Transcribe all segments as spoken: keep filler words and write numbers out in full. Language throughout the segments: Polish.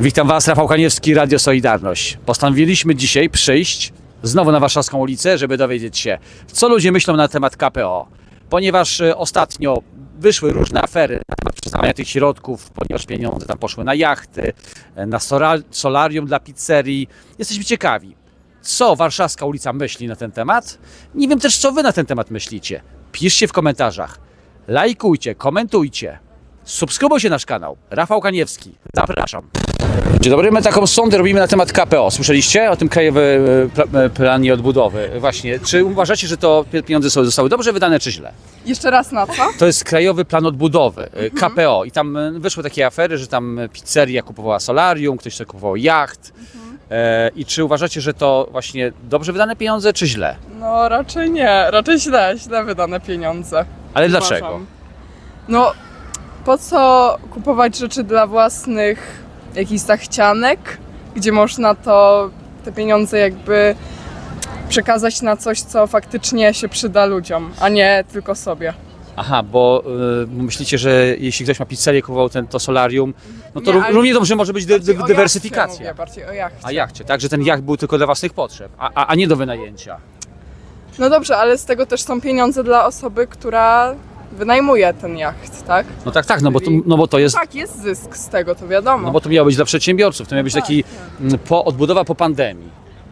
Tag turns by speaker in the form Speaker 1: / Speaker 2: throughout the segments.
Speaker 1: Witam Was, Rafał Kaniewski, Radio Solidarność. Postanowiliśmy dzisiaj przyjść znowu na Warszawską ulicę, żeby dowiedzieć się, co ludzie myślą na temat K P O. Ponieważ ostatnio wyszły różne afery na temat przyznawania tych środków, ponieważ pieniądze tam poszły na jachty, na solarium dla pizzerii. Jesteśmy ciekawi, co Warszawska ulica myśli na ten temat. Nie wiem też, co Wy na ten temat myślicie. Piszcie w komentarzach, lajkujcie, komentujcie. Subskrybujcie nasz kanał. Rafał Kaniewski. Zapraszam. Dzień dobry, my taką sondę robimy na temat K P O. Słyszeliście o tym krajowym planie odbudowy? Właśnie, czy uważacie, że to pieniądze zostały dobrze wydane, czy źle?
Speaker 2: Jeszcze raz na co?
Speaker 1: To jest Krajowy Plan Odbudowy, K P O. I tam wyszły takie afery, że tam pizzeria kupowała solarium, ktoś sobie kupował jacht. E, I czy uważacie, że to właśnie dobrze wydane pieniądze, czy źle?
Speaker 2: No raczej nie, raczej źle, źle wydane pieniądze.
Speaker 1: Ale
Speaker 2: Uważam.
Speaker 1: dlaczego?
Speaker 2: No, po co kupować rzeczy dla własnych jakichś zachcianek, gdzie można to, te pieniądze jakby przekazać na coś, co faktycznie się przyda ludziom, a nie tylko sobie.
Speaker 1: Aha, bo y, myślicie, że jeśli ktoś ma pizzerię, kupował ten, to solarium, no to
Speaker 2: Nie,
Speaker 1: ró-
Speaker 2: ale
Speaker 1: równie dobrze może być dy, dy,
Speaker 2: Bardziej o
Speaker 1: dywersyfikacja.
Speaker 2: jachcie mówię, bardziej o jachcie.
Speaker 1: A jachcie, tak? Że ten jacht był tylko dla własnych potrzeb, a, a, a nie do wynajęcia.
Speaker 2: No dobrze, ale z tego też są pieniądze dla osoby, która wynajmuje ten jacht, tak?
Speaker 1: No tak, tak, no bo to,
Speaker 2: Czyli-
Speaker 1: no bo to jest,
Speaker 2: Tak, jest zysk z tego, to wiadomo.
Speaker 1: no bo to miało być dla przedsiębiorców, to miał być
Speaker 2: Tak,
Speaker 1: taki mm, po, odbudowa po pandemii.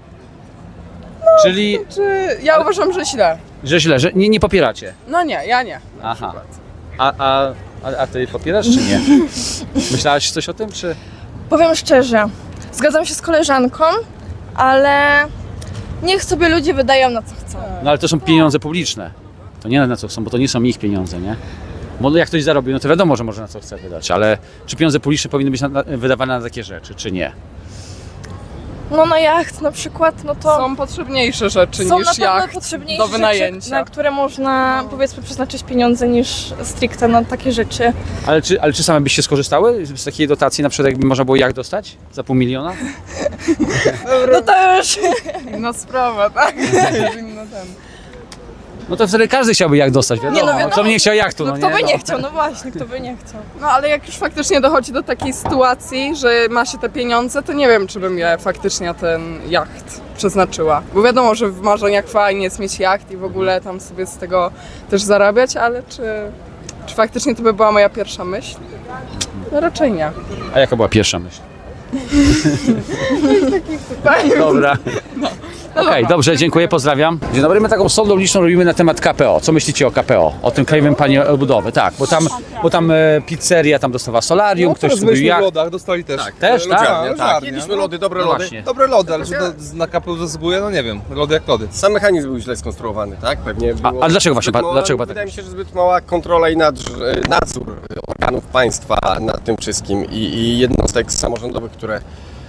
Speaker 1: Czyli,
Speaker 2: Czy ja uważam, że źle.
Speaker 1: że źle, że nie, nie popieracie.
Speaker 2: No nie, ja nie. Na
Speaker 1: Aha.
Speaker 2: przykład.
Speaker 1: A, a, a, a ty popierasz czy nie? Myślałaś coś o tym, czy?
Speaker 3: Powiem szczerze, zgadzam się z koleżanką, ale niech sobie ludzie wydają na co chcą.
Speaker 1: No ale to są pieniądze publiczne. To nie na co chcą, bo to nie są ich pieniądze, nie? Bo jak ktoś zarobił, no to wiadomo, że może na co chce wydać, ale czy pieniądze publiczne powinny być na, na, wydawane na takie rzeczy, czy nie?
Speaker 3: No na jacht na przykład, no to
Speaker 2: Są potrzebniejsze rzeczy
Speaker 3: są
Speaker 2: niż
Speaker 3: na pewno
Speaker 2: jacht
Speaker 3: potrzebniejsze
Speaker 2: do wynajęcia.
Speaker 3: rzeczy, na które można powiedzmy przeznaczyć pieniądze niż stricte na takie rzeczy.
Speaker 1: Ale czy, ale czy same byście skorzystały z takiej dotacji, na przykład jakby można było jak dostać? Za pół miliona?
Speaker 3: No to już
Speaker 2: Inna sprawa, tak? Już inny ten.
Speaker 1: No to wtedy każdy chciałby jak dostać, wiadomo.
Speaker 3: Nie, no wiadomo.
Speaker 1: Kto by nie chciał jachtu, no,
Speaker 3: no, kto
Speaker 1: nie?
Speaker 3: by
Speaker 1: No.
Speaker 3: nie chciał, no właśnie, kto by nie chciał.
Speaker 2: No ale jak już faktycznie dochodzi do takiej sytuacji, że ma się te pieniądze, to nie wiem, czy bym je faktycznie na ten jacht przeznaczyła. Bo wiadomo, że w marzeniach fajnie jest mieć jacht i w ogóle tam sobie z tego też zarabiać, ale czy, czy faktycznie to by była moja pierwsza myśl? No raczej nie.
Speaker 1: A jaka była pierwsza myśl?
Speaker 2: Tak?
Speaker 1: Dobra. Okej, dobrze, dziękuję, pozdrawiam. Dzień dobry, my taką sondą liczną robimy na temat K P O. Co myślicie o K P O? O tym Krajowym Planie Odbudowy, tak, bo tam, bo tam e, pizzeria tam dostawała solarium, ktoś
Speaker 4: teraz
Speaker 1: kupił
Speaker 4: byliśmy w
Speaker 1: jacht.
Speaker 4: lodach, dostali też.
Speaker 1: Tak, też, tak?
Speaker 4: Lodziarnia,
Speaker 5: Tak,
Speaker 4: lodziarnia.
Speaker 5: jedliśmy lody, dobre
Speaker 1: No
Speaker 5: lody.
Speaker 1: właśnie.
Speaker 4: Dobre lody, ale czy to na K P U zasługuje? No nie wiem. Lody jak lody.
Speaker 5: Sam mechanizm był źle skonstruowany, tak? Pewnie
Speaker 1: A-
Speaker 5: było
Speaker 1: a dlaczego właśnie
Speaker 5: zbyt
Speaker 1: pa-
Speaker 5: mała-
Speaker 1: dlaczego pan tak
Speaker 5: Wydaje mi
Speaker 1: myśli?
Speaker 5: się, że zbyt mała kontrola i nadż- nadzór organów państwa nad tym wszystkim i, i jednostek samorządowych, które...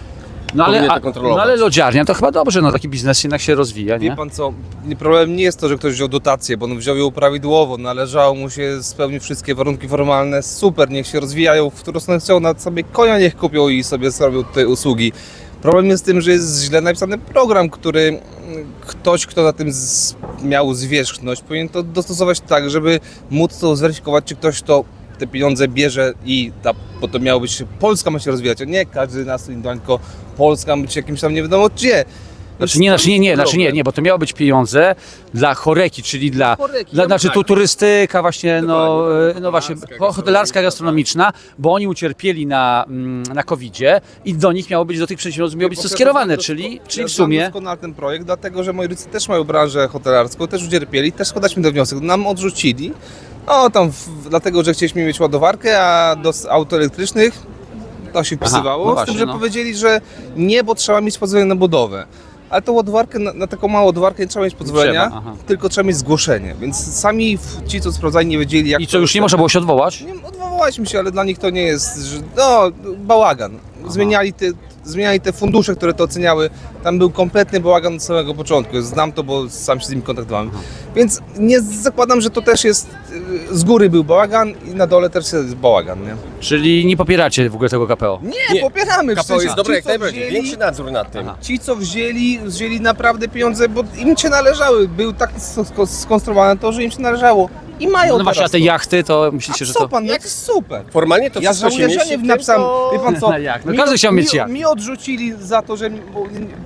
Speaker 1: No ale,
Speaker 5: powinien to
Speaker 1: a,
Speaker 5: kontrolować.
Speaker 1: no ale lodziarnia to chyba dobrze, no taki biznes jednak się rozwija,
Speaker 4: Wie
Speaker 1: nie?
Speaker 4: pan co, nie- problem nie jest to, że ktoś wziął dotację, bo on wziął ją prawidłowo, należało mu się spełnić wszystkie warunki formalne, super, niech się rozwijają, w którą stronę chcą, nawet sobie konia niech kupią i sobie zrobią te usługi. Problem jest z tym, że jest źle napisany program, który mm, ktoś, kto na tym z, miał zwierzchność, powinien to dostosować tak, żeby móc to zweryfikować, czy ktoś to te pieniądze bierze i ta, bo to miało być, Polska ma się rozwijać, a nie każdy nas indywidualnie, tylko Polska ma być jakimś tam nie wiadomo gdzie.
Speaker 1: Znaczy nie, znaczy nie, nie, znaczy nie, nie, bo to miało być pieniądze dla choreki, czyli dla,
Speaker 5: Choreki,
Speaker 1: dla
Speaker 5: no
Speaker 1: znaczy
Speaker 5: tak.
Speaker 1: tu turystyka właśnie, no,
Speaker 5: Dokładnie,
Speaker 1: e, no właśnie,
Speaker 5: hotelarska,
Speaker 1: hotelarska, gastronomiczna, bo oni ucierpieli na, mm, na kowidzie i do nich miało być, do tych przedsiębiorców miało być to skierowane, czyli, czyli
Speaker 4: ja
Speaker 1: w sumie...
Speaker 4: znam doskonale ten projekt, dlatego że moi rodzice też mają branżę hotelarską, też ucierpieli, też składaliśmy ten wniosek, nam odrzucili. O, tam w, dlatego, że chcieliśmy mieć ładowarkę, a do s- aut elektrycznych to się wpisywało,
Speaker 1: no
Speaker 4: z
Speaker 1: właśnie,
Speaker 4: tym, że
Speaker 1: no.
Speaker 4: powiedzieli, że nie, bo trzeba mieć pozwolenie na budowę. Ale tą ładowarkę, na, na taką małą ładowarkę nie trzeba mieć pozwolenia,
Speaker 1: trzeba, aha.
Speaker 4: tylko trzeba mieć zgłoszenie. Więc sami w- ci, co sprawdzali, nie wiedzieli, jak
Speaker 1: I
Speaker 4: to
Speaker 1: co, już nie można było się odwołać?
Speaker 4: Nie, odwołaliśmy się, ale dla nich to nie jest, że, no, bałagan. Zmieniali te, zmieniali te fundusze, które to oceniały. Tam był kompletny bałagan od samego początku. Znam to, bo sam się z nimi kontaktowałem. Więc nie zakładam, że to też jest, y, z góry był bałagan i na dole też jest bałagan, nie?
Speaker 1: Czyli nie popieracie w ogóle tego K P O?
Speaker 4: Nie,
Speaker 5: Nie,
Speaker 4: popieramy.
Speaker 5: K P O
Speaker 4: Przecież
Speaker 5: jest dobre
Speaker 4: ci,
Speaker 5: jak
Speaker 4: co
Speaker 5: najbardziej,
Speaker 4: wzięli-
Speaker 5: większy nadzór nad tym.
Speaker 1: Aha.
Speaker 4: Ci, co wzięli, wzięli naprawdę pieniądze, bo im się należały. Był tak sk- sk- skonstruowane to, że im się należało. I mają
Speaker 1: No właśnie, a
Speaker 4: teraz
Speaker 1: te
Speaker 4: to.
Speaker 1: jachty, to myślicie,
Speaker 4: A
Speaker 1: że
Speaker 4: co
Speaker 1: to...
Speaker 4: pan, jak super.
Speaker 5: Formalnie to
Speaker 4: Ja
Speaker 5: wszystko się
Speaker 4: żałuję, że
Speaker 5: mieści
Speaker 4: nie
Speaker 5: w tym,
Speaker 4: napisałem,
Speaker 5: to-
Speaker 4: wie pan co,
Speaker 1: Na jacht. No
Speaker 4: mi-
Speaker 1: każdy chciał mieć
Speaker 4: mi,
Speaker 1: jacht.
Speaker 4: mi odrzucili za to, że bo,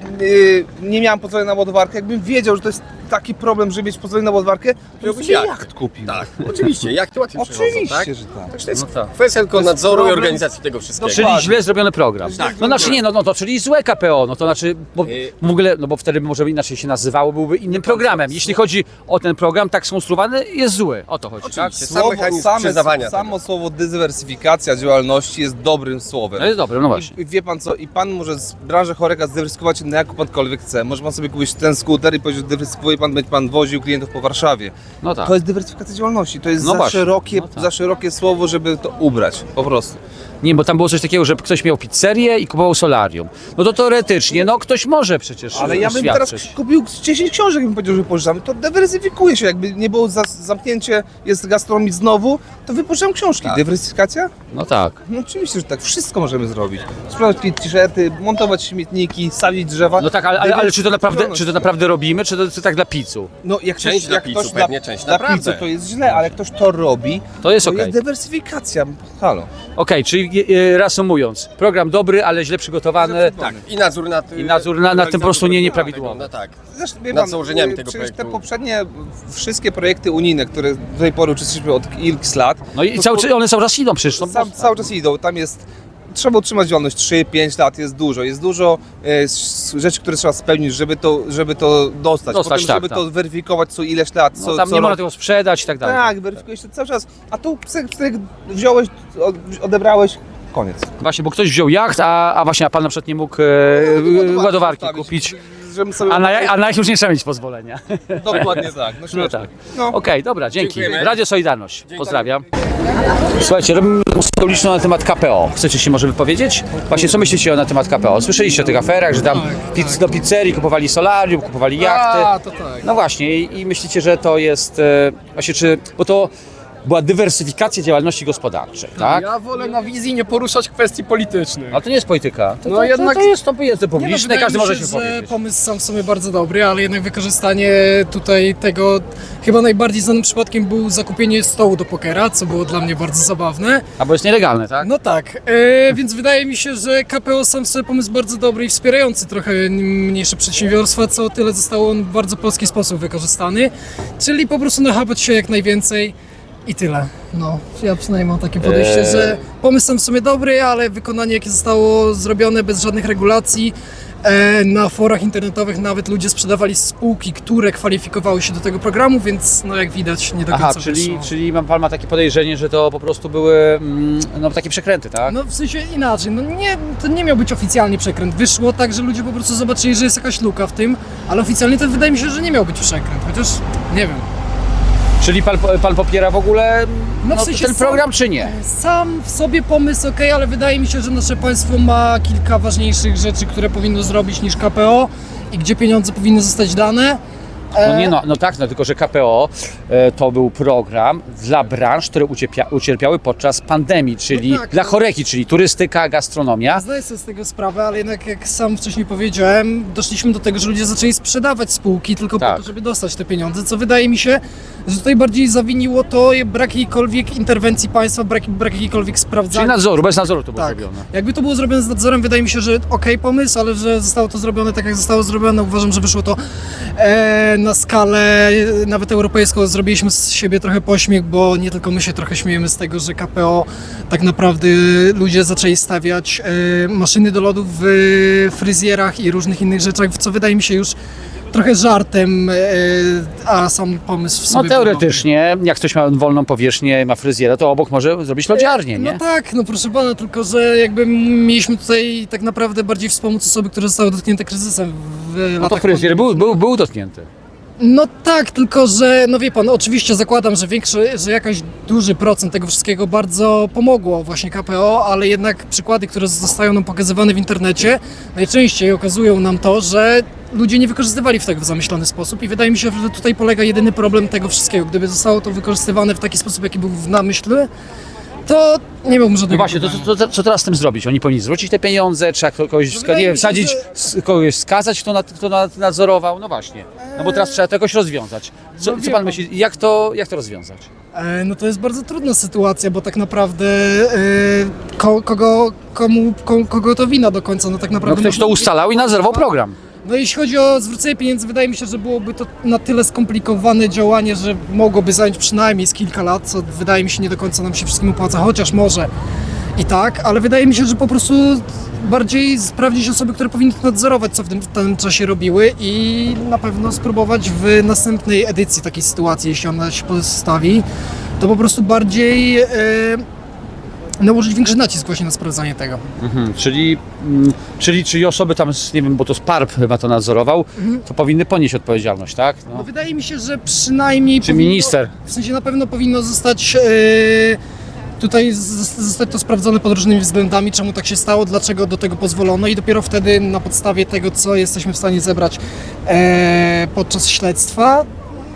Speaker 4: yy, nie miałem pozwolenia na ładowarkę. Jakbym wiedział, że to jest taki problem, żeby mieć pozwolenie na ładowarkę, to bym
Speaker 5: Wziąłbyś
Speaker 4: sobie
Speaker 5: jacht.
Speaker 4: jacht kupił.
Speaker 5: Tak, oczywiście, jak to łatwiej przychodzą,
Speaker 4: Oczywiście,
Speaker 5: tak?
Speaker 4: że tak.
Speaker 5: Także to jest
Speaker 1: No tak.
Speaker 5: kwestia tylko
Speaker 4: jest
Speaker 5: nadzoru i
Speaker 4: problem-
Speaker 5: organizacji tego wszystkiego.
Speaker 1: Czyli
Speaker 4: Dokładnie.
Speaker 1: źle zrobiony program.
Speaker 4: Tak.
Speaker 1: No znaczy nie, no, no to czyli złe K P O, no to znaczy, bo
Speaker 5: Y-
Speaker 1: w ogóle, no bo wtedy może inaczej się nazywało, byłby innym programem. Jeśli chodzi o ten program tak skonstruowany, jest zły, o to chodzi, tak?
Speaker 5: Oczywiście. Sam mechanizm przyznawania
Speaker 4: samo słowo dywersyfikacja działalności jest dobrym słowem.
Speaker 1: No jest dobre, no właśnie.
Speaker 4: I wie pan co, i pan może z branży choreka zdywersyfikować na jaką pankolwiek chce. Może pan sobie kupić ten skuter i powiedzieć, że dywersyfikuje pan, będzie pan woził klientów po Warszawie.
Speaker 1: No tak.
Speaker 4: To jest dywersyfikacja działalności, to jest
Speaker 1: No
Speaker 4: za,
Speaker 1: właśnie.
Speaker 4: szerokie,
Speaker 1: No tak.
Speaker 4: za szerokie słowo, żeby to ubrać, po prostu.
Speaker 1: Nie, bo tam było coś takiego, że ktoś miał pizzerię i kupował solarium. No to teoretycznie, no ktoś może przecież
Speaker 4: Ale ja bym teraz
Speaker 1: świadczyć.
Speaker 4: kupił dziesięć książek i bym powiedział, że pożyczamy. To dywersyfikuje się, jakby nie było za, zamknięcie, jest gastronomii znowu, to wypożyczam książki.
Speaker 5: Tak.
Speaker 4: Dywersyfikacja?
Speaker 1: No tak.
Speaker 4: No oczywiście, że tak, wszystko możemy zrobić. Sprzedać t-shirty, montować śmietniki, sadzić drzewa.
Speaker 1: No tak, ale, ale, ale czy, to naprawdę,
Speaker 4: Dywersyfikować.
Speaker 1: czy to naprawdę robimy, czy to, to tak dla pizzu?
Speaker 4: No jak
Speaker 5: Część
Speaker 4: ktoś,
Speaker 5: dla
Speaker 4: jak
Speaker 5: pizzu,
Speaker 4: ktoś
Speaker 5: pewnie część
Speaker 4: dla
Speaker 5: naprawdę.
Speaker 4: pizzu to jest źle, ale jak ktoś to robi,
Speaker 1: To jest
Speaker 4: to
Speaker 1: okej.
Speaker 4: jest dywersyfikacja. Halo.
Speaker 1: Okej, czyli e, reasumując, program dobry, ale źle przygotowany.
Speaker 5: Tak, i nadzór nad...
Speaker 1: I nadzór na- nad tym po prostu nie- nieprawidłowy.
Speaker 5: No tak.
Speaker 4: Zresztą, wie
Speaker 5: Nad
Speaker 4: pan,
Speaker 5: założeniami
Speaker 4: y,
Speaker 5: tego
Speaker 4: przecież
Speaker 5: projektu.
Speaker 4: te poprzednie wszystkie projekty unijne, które do tej pory uczestniczymy od x lat,
Speaker 1: No i
Speaker 4: to
Speaker 1: cały,
Speaker 4: po-
Speaker 1: czas- one cały czas idą przecież. No,
Speaker 4: Sam, cały czas idą. Tam jest. Trzeba utrzymać działalność trzy pięć lat, jest dużo. Jest dużo e, s- rzeczy, które trzeba spełnić, żeby to, żeby to dostać.
Speaker 1: Dostać,
Speaker 4: Potem,
Speaker 1: tak,
Speaker 4: żeby
Speaker 1: tak.
Speaker 4: to weryfikować co ileś lat. Co,
Speaker 1: no, tam
Speaker 4: co
Speaker 1: nie można
Speaker 4: rok.
Speaker 1: tego sprzedać i tak dalej.
Speaker 4: Tak, weryfikuje się cały czas. A tu psyk, psyk, wziąłeś, od- odebrałeś, koniec.
Speaker 1: Właśnie, bo ktoś wziął jacht, a, a właśnie a pan na przykład nie mógł e, ładowarki
Speaker 4: postawić,
Speaker 1: kupić.
Speaker 4: Żebym sobie
Speaker 1: A na, ja- a na jacht już nie trzeba mieć pozwolenia.
Speaker 4: Dokładnie tak. No,
Speaker 1: No
Speaker 4: śmieszne.
Speaker 1: tak.
Speaker 4: No.
Speaker 1: Okej, dobra, dzięki.
Speaker 5: Dziękujemy.
Speaker 1: Radio Solidarność. Pozdrawiam. Słuchajcie, robimy rozmowę uliczną na temat K P O. Chcecie się może wypowiedzieć? Właśnie, co myślicie na temat K P O? Słyszeliście o tych aferach, że tam pizz, do pizzerii kupowali solarium, kupowali jachty.
Speaker 2: A, to tak.
Speaker 1: No właśnie, i, i myślicie, że to jest e, właśnie, czy, bo to była dywersyfikacja działalności gospodarczej, tak?
Speaker 6: Ja wolę na wizji nie poruszać kwestii politycznych.
Speaker 1: Ale to nie jest polityka. To,
Speaker 6: No
Speaker 1: to,
Speaker 6: jednak-
Speaker 1: to, to jest to jest
Speaker 6: Nie no,
Speaker 1: publiczne,
Speaker 6: wydaje
Speaker 1: każdy
Speaker 6: mi
Speaker 1: może się
Speaker 6: że
Speaker 1: wypowiedzieć.
Speaker 6: pomysł sam w sobie bardzo dobry, ale jednak wykorzystanie tutaj tego, chyba najbardziej znanym przypadkiem był zakupienie stołu do pokera, co było dla mnie bardzo zabawne.
Speaker 1: A bo jest nielegalne, tak?
Speaker 6: No tak, e, więc wydaje mi się, że K P O sam w sobie pomysł bardzo dobry i wspierający trochę mniejsze przedsiębiorstwa, co o tyle został on w bardzo polski sposób wykorzystany, czyli po prostu nachapać się jak najwięcej i tyle. No, ja przynajmniej mam takie podejście,
Speaker 1: Eee.
Speaker 6: że pomysł sam w sobie dobry, ale wykonanie jakie zostało zrobione bez żadnych regulacji. E, na forach internetowych nawet ludzie sprzedawali spółki, które kwalifikowały się do tego programu, więc no jak widać nie do końca
Speaker 1: Aha, czyli,
Speaker 6: wyszło.
Speaker 1: czyli mam- pan ma takie podejrzenie, że to po prostu były mm, no, takie przekręty, tak?
Speaker 6: No w sensie inaczej, no nie, to nie miał być oficjalnie przekręt. Wyszło tak, że ludzie po prostu zobaczyli, że jest jakaś luka w tym, ale oficjalnie to wydaje mi się, że nie miał być przekręt, chociaż nie wiem.
Speaker 1: Czyli pan, pan popiera w ogóle
Speaker 6: No
Speaker 1: no,
Speaker 6: w sensie
Speaker 1: ten
Speaker 6: sam-
Speaker 1: program, czy nie?
Speaker 6: Sam w sobie pomysł ok, ale wydaje mi się, że nasze państwo ma kilka ważniejszych rzeczy, które powinno zrobić niż K P O i gdzie pieniądze powinny zostać dane.
Speaker 1: No nie, no, no tak, no tylko że K P O e, to był program dla branż, które ucierpia, ucierpiały podczas pandemii, czyli
Speaker 6: No tak,
Speaker 1: dla
Speaker 6: no.
Speaker 1: choreki, czyli turystyka, gastronomia.
Speaker 6: Zdaję sobie z tego sprawę, ale jednak jak sam wcześniej powiedziałem, doszliśmy do tego, że ludzie zaczęli sprzedawać spółki tylko
Speaker 1: Tak.
Speaker 6: po to, żeby dostać te pieniądze, co wydaje mi się, że tutaj bardziej zawiniło to brak jakiejkolwiek interwencji państwa, brak, brak jakiejkolwiek
Speaker 1: Czyli
Speaker 6: sprawdzania.
Speaker 1: nadzoru, bez nadzoru to było
Speaker 6: Tak.
Speaker 1: zrobione.
Speaker 6: Jakby to było zrobione z nadzorem, wydaje mi się, że okej pomysł, ale że zostało to zrobione tak, jak zostało zrobione. Uważam, że wyszło to e, na skalę e, nawet europejską. Zrobiliśmy z siebie trochę pośmiech, bo nie tylko my się trochę śmiejemy z tego, że K P O tak naprawdę ludzie zaczęli stawiać e, maszyny do lodów w fryzjerach i różnych innych rzeczach, co wydaje mi się już trochę żartem, e, a sam pomysł w
Speaker 1: No
Speaker 6: sobie był
Speaker 1: teoretycznie, jak ktoś ma wolną powierzchnię, ma fryzjera, to obok może zrobić lodziarnię, nie?
Speaker 6: No tak, no proszę pana, tylko że jakby mieliśmy tutaj tak naprawdę bardziej wspomóc osoby, które zostały dotknięte kryzysem w
Speaker 1: No to
Speaker 6: latach
Speaker 1: fryzjer
Speaker 6: pandemii.
Speaker 1: był, był, był dotknięty.
Speaker 6: No tak, tylko że, no wie pan, oczywiście zakładam, że większy, że jakaś duży procent tego wszystkiego bardzo pomogło właśnie K P O, ale jednak przykłady, które zostają nam pokazywane w internecie, najczęściej okazują nam to, że ludzie nie wykorzystywali w tego w zamyślony sposób i wydaje mi się, że tutaj polega jedyny problem tego wszystkiego. Gdyby zostało to wykorzystywane w taki sposób, jaki był w namyśle, to nie miałbym
Speaker 1: No
Speaker 6: żadnego
Speaker 1: właśnie, to,
Speaker 6: problemu.
Speaker 1: to, to, co teraz z tym zrobić? Oni powinni zwrócić te pieniądze, trzeba kogoś wska-
Speaker 6: wydaje
Speaker 1: nie wiem,
Speaker 6: mi się,
Speaker 1: wsadzić,
Speaker 6: że-
Speaker 1: s- kogoś skazać, kto, nad, kto nad, nadzorował? No właśnie. No bo teraz trzeba to jakoś rozwiązać. Co,
Speaker 6: No
Speaker 1: co
Speaker 6: wie
Speaker 1: pan
Speaker 6: pan.
Speaker 1: myśli, jak to, jak to rozwiązać?
Speaker 6: E, No to jest bardzo trudna sytuacja, bo tak naprawdę e, ko, kogo, komu, ko, kogo to wina do końca, no tak
Speaker 1: No
Speaker 6: naprawdę...
Speaker 1: ktoś to ustalał i nadzorował program.
Speaker 6: No jeśli chodzi o zwrócenie pieniędzy, wydaje mi się, że byłoby to na tyle skomplikowane działanie, że mogłoby zająć przynajmniej z kilka lat, co wydaje mi się nie do końca nam się wszystkim opłaca, chociaż może i tak, ale wydaje mi się, że po prostu bardziej sprawdzić osoby, które powinny to nadzorować, co w tym, w tym czasie robiły i na pewno spróbować w następnej edycji takiej sytuacji, jeśli ona się postawi, to po prostu bardziej e, nałożyć większy nacisk właśnie na sprawdzanie tego.
Speaker 1: Mhm, czyli, mm, czyli, czyli osoby tam, z- nie wiem, bo to Sparp chyba to nadzorował, to powinny ponieść odpowiedzialność, tak?
Speaker 6: No
Speaker 1: No.
Speaker 6: wydaje mi się, że przynajmniej
Speaker 1: Czy minister?
Speaker 6: W sensie na pewno powinno zostać e, tutaj z- zostać to sprawdzone pod różnymi względami, czemu tak się stało, dlaczego do tego pozwolono i dopiero wtedy na podstawie tego, co jesteśmy w stanie zebrać e, podczas śledztwa,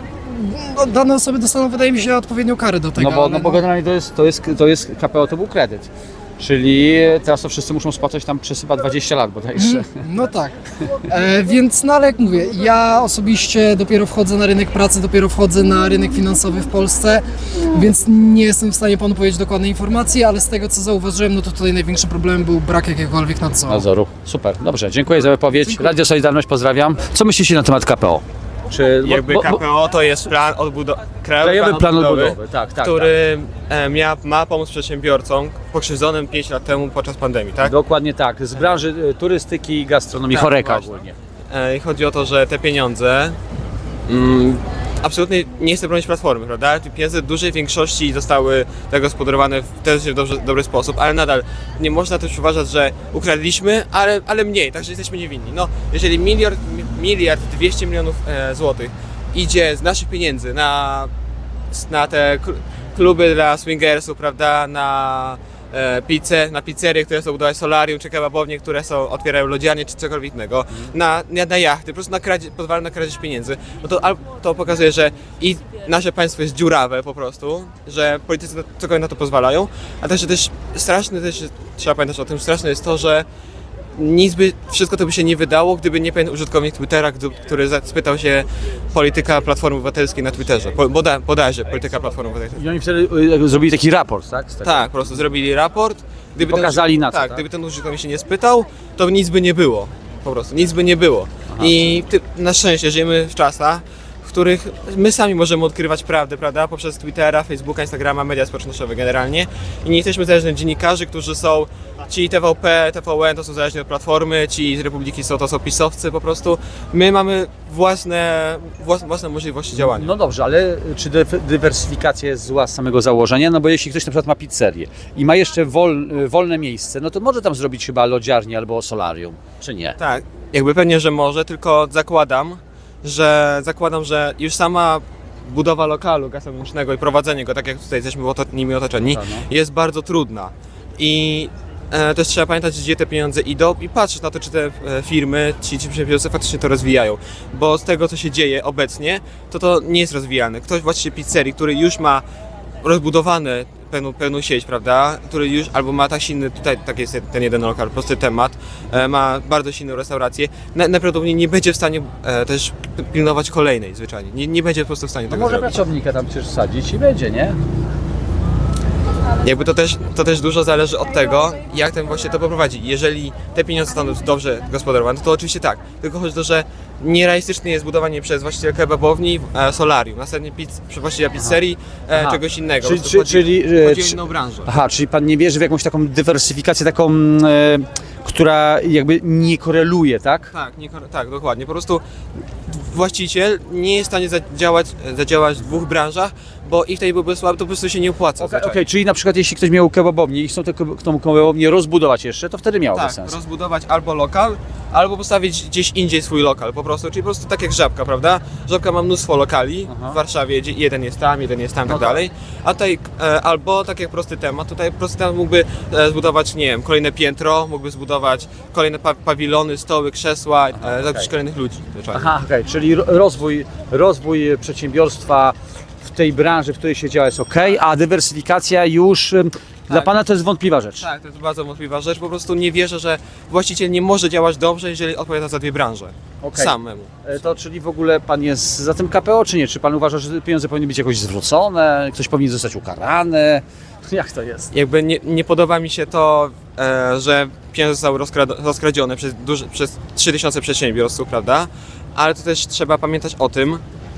Speaker 6: no, dane osoby dostaną, wydaje mi się, odpowiednią karę do tego.
Speaker 1: No bo,
Speaker 6: ale
Speaker 1: no bo generalnie to jest, to jest, to jest K P O to był kredyt. Czyli teraz to wszyscy muszą spłacać tam przez chyba dwadzieścia lat bodajże.
Speaker 6: No tak, e, więc no ale jak mówię, ja osobiście dopiero wchodzę na rynek pracy, dopiero wchodzę na rynek finansowy w Polsce, więc nie jestem w stanie panu powiedzieć dokładnej informacji, ale z tego co zauważyłem, no to tutaj największym problemem był brak jakiegokolwiek nadzoru.
Speaker 1: Nadzoru. Super, dobrze, dziękuję za wypowiedź.
Speaker 6: Dziękuję.
Speaker 1: Radio Solidarność, pozdrawiam. Co myślicie na temat K P O? Czy, bo-
Speaker 7: Jakby
Speaker 1: bo- bo-
Speaker 7: K P O to jest plan odbudowy,
Speaker 1: Krajowy Plan Odbudowy, tak, tak.
Speaker 7: który e, mia, ma pomóc przedsiębiorcom pokrzywdzonym pięć lat temu podczas pandemii,
Speaker 1: tak.
Speaker 7: tak?
Speaker 1: Dokładnie tak, z branży y, turystyki, gastronomii,
Speaker 7: Tak,
Speaker 1: choreka
Speaker 7: właśnie.
Speaker 1: ogólnie.
Speaker 7: E, I chodzi o to, że te pieniądze, mm, absolutnie nie chcę bronić Platformy, prawda? Te pieniądze w dużej większości zostały zagospodarowane w też w dobrze, dobry sposób, ale nadal nie można też uważać, że ukradliśmy, ale, ale mniej, także jesteśmy niewinni. No, jeżeli miliard, mi- miliard dwieście milionów e, złotych idzie z naszych pieniędzy na, na te kl- kluby dla swingersów, prawda, na e, pizze, na pizzerie, które są budować solarium, czy kebabownie, które są, otwierają lodziarnie, czy cokolwiek innego, na, na, na jachty, po prostu na kradzie, pozwala na kradzież pieniędzy, no to, al- to pokazuje, że i nasze państwo jest dziurawe po prostu, że politycy na- cokolwiek na to pozwalają, a także też straszne, też trzeba pamiętać o tym, straszne jest to, że nic by, wszystko to by się nie wydało, gdyby nie pewien użytkownik Twittera, gdy- który za- spytał się polityka Platformy Obywatelskiej na Twitterze, po- boda, bodajże polityka Platformy Obywatelskiej.
Speaker 1: I oni wtedy y, zrobili taki raport, tak? Z tego.
Speaker 7: Tak, po prostu zrobili raport. Gdyby
Speaker 1: Pokazali
Speaker 7: ten,
Speaker 1: na co,
Speaker 7: tak,
Speaker 1: tak?
Speaker 7: gdyby ten użytkownik się nie spytał, to nic by nie było. Po prostu, nic by nie było. I ty, na szczęście żyjemy w czasach, w których my sami możemy odkrywać prawdę, prawda? Poprzez Twittera, Facebooka, Instagrama, media społecznościowe generalnie. I nie jesteśmy zależni od dziennikarzy, którzy są, ci T V P, T V N to są zależni od Platformy, ci z Republiki są, to są pisowcy po prostu. My mamy własne, własne, własne możliwości działania.
Speaker 1: No dobrze, ale czy dy- dywersyfikacja jest zła z samego założenia? No bo jeśli ktoś na przykład ma pizzerię i ma jeszcze wol, wolne miejsce, no to może tam zrobić chyba lodziarnię albo solarium, czy nie?
Speaker 7: Tak, jakby pewnie, że może, tylko zakładam, że zakładam, że już sama budowa lokalu gastronomicznego i prowadzenie go, tak jak tutaj jesteśmy oto, nimi otoczeni,
Speaker 1: Tak, no.
Speaker 7: jest bardzo trudna. I e, też trzeba pamiętać, gdzie te pieniądze idą i patrzeć na to, czy te e, firmy, ci, ci przedsiębiorcy faktycznie to rozwijają. Bo z tego, co się dzieje obecnie, to to nie jest rozwijane. Ktoś właściciel pizzerii, który już ma rozbudowane pełną, pełną sieć, prawda, który już albo ma tak silny, tutaj tak jest ten jeden lokal, prosty temat, e, ma bardzo silną restaurację, na, najprawdopodobniej nie będzie w stanie e, też pilnować kolejnej zwyczajnie, nie, nie będzie po prostu w stanie
Speaker 1: No
Speaker 7: tego
Speaker 1: może
Speaker 7: zrobić.
Speaker 1: pracownika tam przecież wsadzić i będzie, nie?
Speaker 7: Jakby to też, to też dużo zależy od tego, jak ten właśnie to poprowadzi. Jeżeli te pieniądze zostaną dobrze gospodarowane, to oczywiście tak. Tylko chodzi o to, że nierealistyczne jest budowanie przez właściciela kebabowni e, solarium, następnie pizz, przez właściciela pizzerii e,
Speaker 1: Aha.
Speaker 7: czegoś innego.
Speaker 1: Czyli-
Speaker 7: Po prostu
Speaker 1: czy-
Speaker 7: chodzi,
Speaker 1: czyli, e,
Speaker 7: chodzi o
Speaker 1: czy-
Speaker 7: inną branżę.
Speaker 1: Aha, czyli pan nie wierzy w jakąś taką dywersyfikację, taką, mm, e, która jakby nie koreluje, tak?
Speaker 7: Tak, nie, tak, dokładnie. Po prostu właściciel nie jest w stanie zadziałać, zadziałać w dwóch branżach, bo ich tutaj byłby słaby, to po prostu się nie opłaca.
Speaker 1: Okej,
Speaker 7: zwyczajnie.
Speaker 1: okej, czyli na przykład jeśli ktoś miał kebabownię i chcą tę keb- tą kebabownię rozbudować jeszcze, to wtedy miałoby
Speaker 7: Tak,
Speaker 1: sens.
Speaker 7: rozbudować albo lokal, albo postawić gdzieś indziej swój lokal po prostu, czyli po prostu tak jak Żabka, prawda? Żabka ma mnóstwo lokali
Speaker 1: Aha.
Speaker 7: w Warszawie, gdzie jeden jest tam, jeden jest tam,
Speaker 1: No
Speaker 7: tak
Speaker 1: tak.
Speaker 7: dalej, a tutaj e, albo tak jak prosty temat, tutaj prosty temat mógłby e, zbudować, nie wiem, kolejne piętro, mógłby zbudować kolejne pa pawilony, stoły, krzesła, e, zatrudnić
Speaker 1: okej.
Speaker 7: kolejnych ludzi. zwyczajnie.
Speaker 1: Aha, okej, czyli ro- rozwój, rozwój przedsiębiorstwa w tej branży, w której się działa jest ok, a dywersyfikacja już ym, Dla pana to jest wątpliwa rzecz.
Speaker 7: Tak, to jest bardzo wątpliwa rzecz. Po prostu nie wierzę, że właściciel nie może działać dobrze, jeżeli odpowiada za dwie branże.
Speaker 1: Okej.
Speaker 7: Samemu.
Speaker 1: E, To czyli w ogóle pan jest za tym K P O, czy nie? Czy pan uważa, że pieniądze powinny być jakoś zwrócone, ktoś powinien zostać ukarany? Jak to jest?
Speaker 7: Jakby nie, nie podoba mi się to, e, że pieniądze zostały rozkrad- rozkradzione przez, duży, przez trzy tysiące przedsiębiorców, prawda? Ale to też trzeba pamiętać o tym,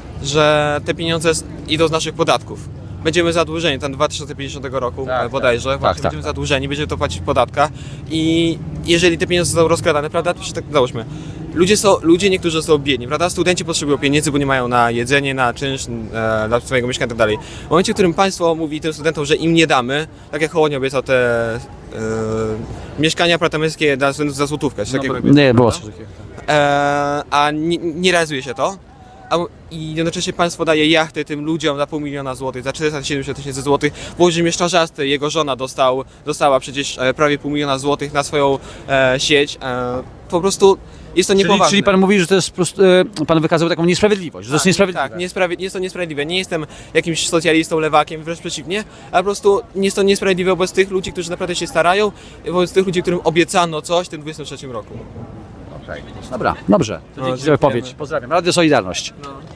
Speaker 7: że te pieniądze s- idą z naszych podatków. Będziemy zadłużeni, ten dwa tysiące pięćdziesiątego roku
Speaker 1: Tak,
Speaker 7: e, bodajże,
Speaker 1: tak,
Speaker 7: właśnie
Speaker 1: tak,
Speaker 7: będziemy
Speaker 1: tak.
Speaker 7: zadłużeni, będziemy to płacić w podatkach i jeżeli te pieniądze są rozkradane, prawda, to się tak załóżmy, ludzie, są, ludzie niektórzy są biedni, prawda, studenci potrzebują pieniędzy, bo nie mają na jedzenie, na czynsz, e, dla swojego mieszkania i tak dalej. W momencie, w którym państwo mówi tym studentom, że im nie damy, tak jak Hołownia obiecał te e, mieszkania apartamenckie dla studentów za złotówkę, czy takiego obiecał,
Speaker 1: Nie, było
Speaker 7: prawda?
Speaker 1: coś takiego.
Speaker 7: e, a nie, nie realizuje się to. A, I jednocześnie państwo daje jachty tym ludziom za pół miliona złotych, za czterysta siedemdziesiąt tysięcy złotych. Włodzimierz Czarzasty, jego żona dostał, dostała przecież e, prawie pół miliona złotych na swoją e, sieć. E, po prostu jest to
Speaker 1: Czyli,
Speaker 7: niepoważne.
Speaker 1: czyli pan mówi, że to jest po prostu, e, pan wykazał taką niesprawiedliwość, że to jest niesprawiedliwe.
Speaker 7: Tak, niesprawi- jest to niesprawiedliwe. Nie jestem jakimś socjalistą, lewakiem, wręcz przeciwnie, ale po prostu jest to niesprawiedliwe wobec tych ludzi, którzy naprawdę się starają, wobec tych ludzi, którym obiecano coś w tym dwudziestym trzecim roku.
Speaker 1: Dobra, dobrze. To
Speaker 7: No,
Speaker 1: dzięki za
Speaker 7: dziękujemy.
Speaker 1: wypowiedź. Pozdrawiam. Radio Solidarność.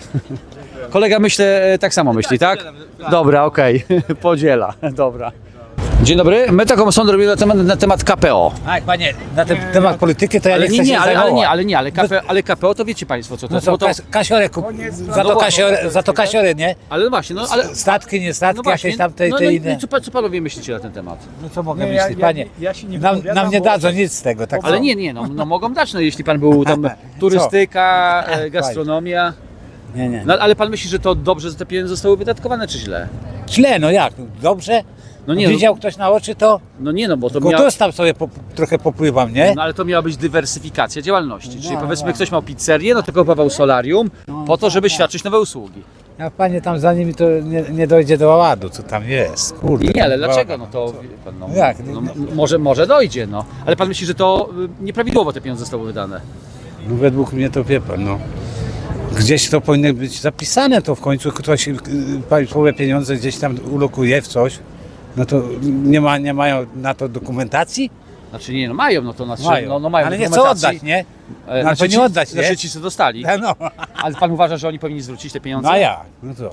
Speaker 1: Kolega myślę e, tak samo myśli, tak? Dobra, okej. Podziela. Dobra. Dzień dobry. My taką sondę robimy na temat, na temat K P O.
Speaker 8: Tak, panie, na ten temat polityki to ja
Speaker 1: Ale
Speaker 8: nie
Speaker 1: nie,
Speaker 8: chcę
Speaker 1: nie,
Speaker 8: się
Speaker 1: ale, ale
Speaker 8: zajmować.
Speaker 1: nie, ale nie, ale K P, ale K P O to wiecie państwo co to
Speaker 8: No
Speaker 1: jest.
Speaker 8: co,
Speaker 1: Bo to,
Speaker 8: kas, kasiorę kup... za, to kasiorę, za to kasiorę, nie?
Speaker 1: ale właśnie, no ale...
Speaker 8: Statki, nie statki,
Speaker 1: No właśnie,
Speaker 8: jakieś tam te,
Speaker 1: no,
Speaker 8: te
Speaker 1: no, i
Speaker 8: inne.
Speaker 1: co, pa- co panowie myślicie na ten temat?
Speaker 8: No co mogę
Speaker 9: Nie, ja-
Speaker 8: myśleć,
Speaker 9: ja-
Speaker 8: panie?
Speaker 9: ja się nie
Speaker 8: nam,
Speaker 9: wypowiadam,
Speaker 8: nam nie
Speaker 9: bo-
Speaker 8: dadzą nic z tego, tak.
Speaker 1: Ale nie, nie, no, no mogą dać, no jeśli pan był tam turystyka, e, gastronomia.
Speaker 8: Nie, nie.
Speaker 1: No, ale pan myśli, że to dobrze, że te pieniądze zostały wydatkowane, czy źle?
Speaker 8: Źle, no jak? Dobrze?
Speaker 1: No nie, no,
Speaker 8: Widział ktoś na oczy to?
Speaker 1: no nie, no bo to
Speaker 8: Tylko
Speaker 1: miało...
Speaker 8: tu tam sobie po, trochę popływam, nie?
Speaker 1: No ale to miała być dywersyfikacja działalności. Czyli
Speaker 8: No,
Speaker 1: powiedzmy
Speaker 8: no.
Speaker 1: ktoś miał pizzerię, no to kupował solarium po to, żeby świadczyć nowe usługi.
Speaker 8: Ja panie tam za nimi to nie, nie dojdzie do ładu, co tam jest. Kurde.
Speaker 1: Nie, ale
Speaker 8: no,
Speaker 1: dlaczego? No to wie pan, no,
Speaker 8: Jak?
Speaker 1: no, m- może, może dojdzie, no. Ale pan myśli, że to y, nieprawidłowo te pieniądze zostały wydane?
Speaker 8: No według mnie to wie pan, no. Gdzieś to powinno być zapisane, to w końcu ktoś y, państwowe pieniądze gdzieś tam ulokuje w coś. No to nie, ma, nie mają na to dokumentacji?
Speaker 1: Znaczy nie, no mają, no to znaczy,
Speaker 8: Mają.
Speaker 1: No, no mają
Speaker 8: Ale nie chcą
Speaker 1: dokumentacji.
Speaker 8: oddać, nie?
Speaker 1: E,
Speaker 8: No, ale to nie
Speaker 1: ci-
Speaker 8: oddać, nie?
Speaker 1: Znaczy ci, co dostali.
Speaker 8: No,
Speaker 1: Ale pan uważa, że oni powinni zwrócić te pieniądze?
Speaker 8: no a jak? No to.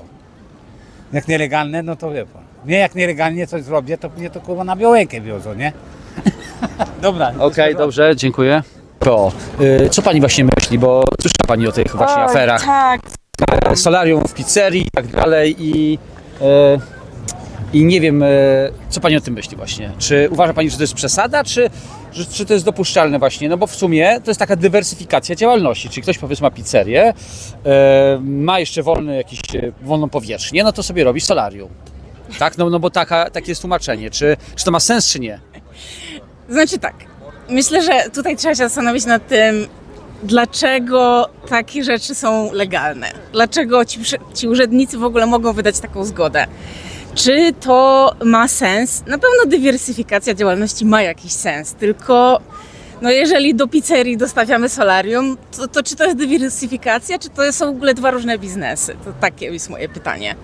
Speaker 8: Jak nielegalne, no to wie pan. Nie, jak nielegalnie coś zrobię, to mnie to kurwa na Białękę wiozą, nie? Dobra.
Speaker 1: Okej, dobrze, dziękuję. To, y, co pani właśnie myśli, bo słyszała pani o tych właśnie
Speaker 3: Oj,
Speaker 1: aferach.
Speaker 3: Tak,
Speaker 1: E, solarium w pizzerii i tak dalej i, e, i nie wiem, e, co pani o tym myśli właśnie. Czy uważa pani, że to jest przesada, czy, że, czy to jest dopuszczalne właśnie? No bo w sumie to jest taka dywersyfikacja działalności, czyli ktoś powiedzmy ma pizzerię, e, ma jeszcze wolny jakiś, e, wolną powierzchnię, no to sobie robi solarium. Tak, no, no bo taka, takie jest tłumaczenie. Czy, czy to ma sens, czy nie?
Speaker 10: Znaczy tak, myślę, że tutaj trzeba się zastanowić nad tym, dlaczego takie rzeczy są legalne. Dlaczego ci, prze- ci urzędnicy w ogóle mogą wydać taką zgodę. Czy to ma sens? Na pewno dywersyfikacja działalności ma jakiś sens, tylko no jeżeli do pizzerii dostawiamy solarium, to, to czy to jest dywersyfikacja, czy to są w ogóle dwa różne biznesy? To takie jest moje pytanie.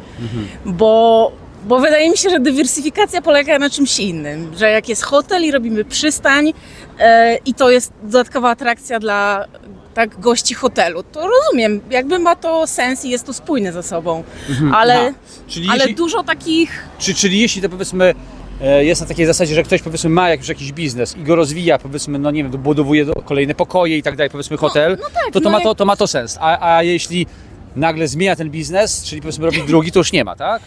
Speaker 10: Bo, bo wydaje mi się, że dywersyfikacja polega na czymś innym, że jak jest hotel i robimy przystań e, i to jest dodatkowa atrakcja dla tak, gości hotelu, to rozumiem, jakby ma to sens i jest to spójne ze sobą, ale,
Speaker 1: Aha. Czyli
Speaker 10: ale
Speaker 1: jeśli,
Speaker 10: dużo takich...
Speaker 1: czy, czyli jeśli to powiedzmy e, jest na takiej zasadzie, że ktoś powiedzmy ma jakiś, jakiś biznes i go rozwija, powiedzmy, no nie wiem, budowuje do- kolejne pokoje i tak dalej, powiedzmy hotel,
Speaker 10: no tak,
Speaker 1: to, to,
Speaker 10: no
Speaker 1: ma
Speaker 10: jak-
Speaker 1: to, to ma to sens. A, a jeśli nagle zmienia ten biznes, czyli powiedzmy robi drugi, to już nie ma, tak?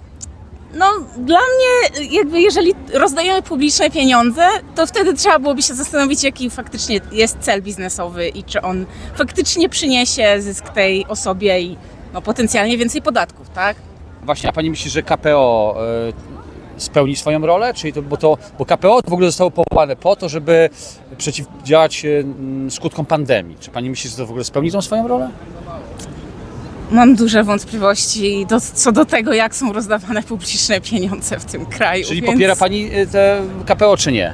Speaker 10: No, dla mnie, jakby jeżeli rozdajemy publiczne pieniądze, to wtedy trzeba byłoby się zastanowić, jaki faktycznie jest cel biznesowy i czy on faktycznie przyniesie zysk tej osobie i no, potencjalnie więcej podatków, tak?
Speaker 1: Właśnie, a pani myśli, że K P O e, spełni swoją rolę? Czyli to, bo, to, bo K P O to w ogóle zostało powołane po to, żeby przeciwdziałać e, m, skutkom pandemii. Czy pani myśli, że to w ogóle spełni tą swoją rolę?
Speaker 10: Mam duże wątpliwości do, co do tego, jak są rozdawane publiczne pieniądze w tym kraju.
Speaker 1: Czyli
Speaker 10: więc
Speaker 1: popiera pani e, te K P O, czy nie?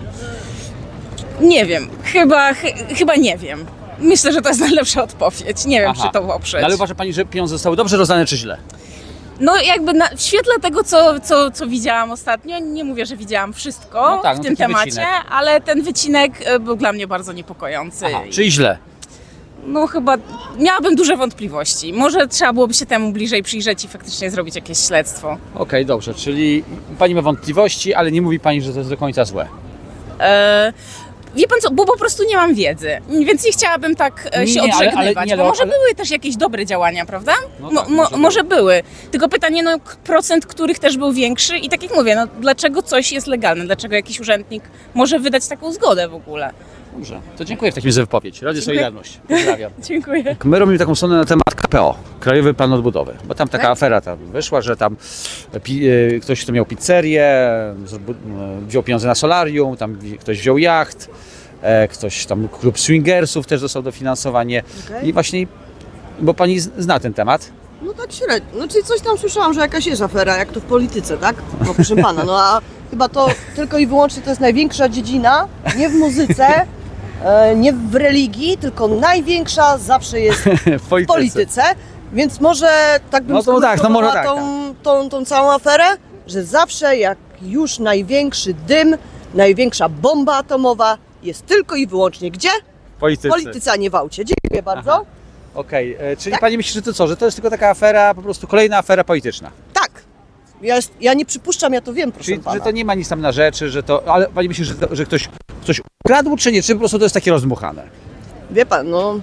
Speaker 10: Nie wiem, chyba, chy, chyba nie wiem. Myślę, że to jest najlepsza odpowiedź. Nie wiem,
Speaker 1: Aha.
Speaker 10: czy to poprzeć.
Speaker 1: No, ale uważa pani, że pieniądze zostały dobrze rozdane, czy źle?
Speaker 10: No jakby na, w świetle tego, co, co, co widziałam ostatnio, nie mówię, że widziałam wszystko
Speaker 1: No tak,
Speaker 10: w
Speaker 1: no
Speaker 10: tym
Speaker 1: taki
Speaker 10: temacie,
Speaker 1: wycinek.
Speaker 10: ale ten wycinek e, był dla mnie bardzo niepokojący.
Speaker 1: Aha, czyli źle.
Speaker 10: No chyba miałabym duże wątpliwości. Może trzeba byłoby się temu bliżej przyjrzeć i faktycznie zrobić jakieś śledztwo.
Speaker 1: Okej, dobrze, czyli pani ma wątpliwości, ale nie mówi pani, że to jest do końca złe.
Speaker 10: E, Wie pan co, bo po prostu nie mam wiedzy, więc nie chciałabym tak e, się
Speaker 1: Nie, ale- ale-
Speaker 10: odżegnywać,
Speaker 1: nie,
Speaker 10: bo
Speaker 1: ale-
Speaker 10: może
Speaker 1: ale-
Speaker 10: były też jakieś dobre działania, prawda?
Speaker 1: No
Speaker 10: Mo,
Speaker 1: tak,
Speaker 10: mo,
Speaker 1: może
Speaker 10: może były, tylko pytanie, no k- procent których też był większy i tak jak mówię, no dlaczego coś jest legalne, dlaczego jakiś urzędnik może wydać taką zgodę w ogóle?
Speaker 1: Dobrze, to dziękuję w takim razie za wypowiedź. Radio
Speaker 10: Dziękuję.
Speaker 1: Solidarność. Pozdrawiam.
Speaker 10: Dziękuję.
Speaker 1: My robimy taką stronę na temat K P O, Krajowy Plan Odbudowy, bo tam taka
Speaker 10: Tak?
Speaker 1: afera tam wyszła, że tam pi, e, ktoś, kto miał pizzerię, zbu- e, wziął pieniądze na solarium, tam wi- ktoś wziął jacht, e, ktoś tam, klub swingersów też dostał dofinansowanie
Speaker 9: Okej.
Speaker 1: i właśnie, bo pani z- zna ten temat.
Speaker 9: No tak średnio. No czyli coś tam słyszałam, że jakaś jest afera, jak to w polityce, tak? No proszę pana, no a chyba to tylko i wyłącznie to jest największa dziedzina, nie w muzyce, e, nie w religii, tylko największa zawsze jest
Speaker 1: w
Speaker 9: w polityce. Więc może tak bym
Speaker 1: No to tak, no może
Speaker 9: skomentowała
Speaker 1: tak,
Speaker 9: tą, tą, tą całą aferę, że zawsze jak już największy dym, największa bomba atomowa jest tylko i wyłącznie gdzie?
Speaker 1: Politycy.
Speaker 9: W polityce, a nie w aucie. Dziękuję bardzo.
Speaker 1: Okej, e, czyli
Speaker 9: Tak?
Speaker 1: pani myśli, że to co, że to jest tylko taka afera, po prostu kolejna afera polityczna.
Speaker 9: Tak. Ja, jest, ja nie przypuszczam, ja to wiem, proszę
Speaker 1: Czyli,
Speaker 9: pana.
Speaker 1: że to nie ma nic tam na rzeczy, że to, ale pani myśli, że, to, że ktoś coś ukradł, czy nie, czy po prostu to jest takie rozdmuchane?
Speaker 9: Wie pan, no.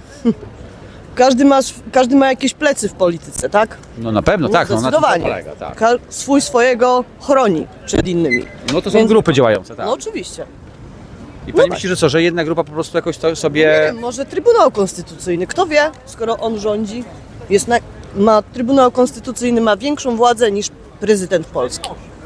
Speaker 9: Każdy ma, sw- każdy ma jakieś plecy w polityce, tak?
Speaker 1: No na pewno, tak, no na tym to
Speaker 9: zdecydowanie.
Speaker 1: polega, tak.
Speaker 9: Ka- swój swojego chroni przed innymi.
Speaker 1: No to są
Speaker 9: Więc-
Speaker 1: grupy działające, tak.
Speaker 9: No oczywiście.
Speaker 1: I pani
Speaker 9: no
Speaker 1: myśli, że co, że jedna grupa po prostu jakoś to
Speaker 9: Nie
Speaker 1: sobie...
Speaker 9: wiem, może Trybunał Konstytucyjny, kto wie, skoro on rządzi, jest na, ma Trybunał Konstytucyjny ma większą władzę niż prezydent Polski.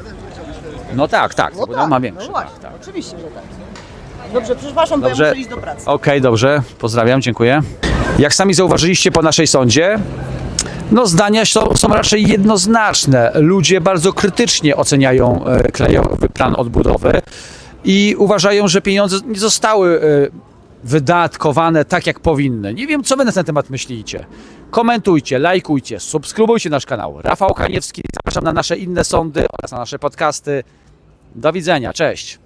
Speaker 1: No tak, tak,
Speaker 9: No
Speaker 1: bo
Speaker 9: tak,
Speaker 1: ma większe.
Speaker 9: no właśnie,
Speaker 1: tak, tak.
Speaker 9: oczywiście, że tak. Dobrze, przepraszam, bo ja
Speaker 1: Dobrze.
Speaker 9: muszę iść do pracy.
Speaker 1: Okej, dobrze, pozdrawiam, dziękuję. Jak sami zauważyliście po naszej sądzie, no zdania są, są raczej jednoznaczne. Ludzie bardzo krytycznie oceniają e, Krajowy Plan Odbudowy i uważają, że pieniądze nie zostały e, wydatkowane tak, jak powinny. Nie wiem, co wy na ten temat myślicie. Komentujcie, lajkujcie, subskrybujcie nasz kanał. Rafał Kaniewski, zapraszam na nasze inne sądy oraz na nasze podcasty. Do widzenia, cześć.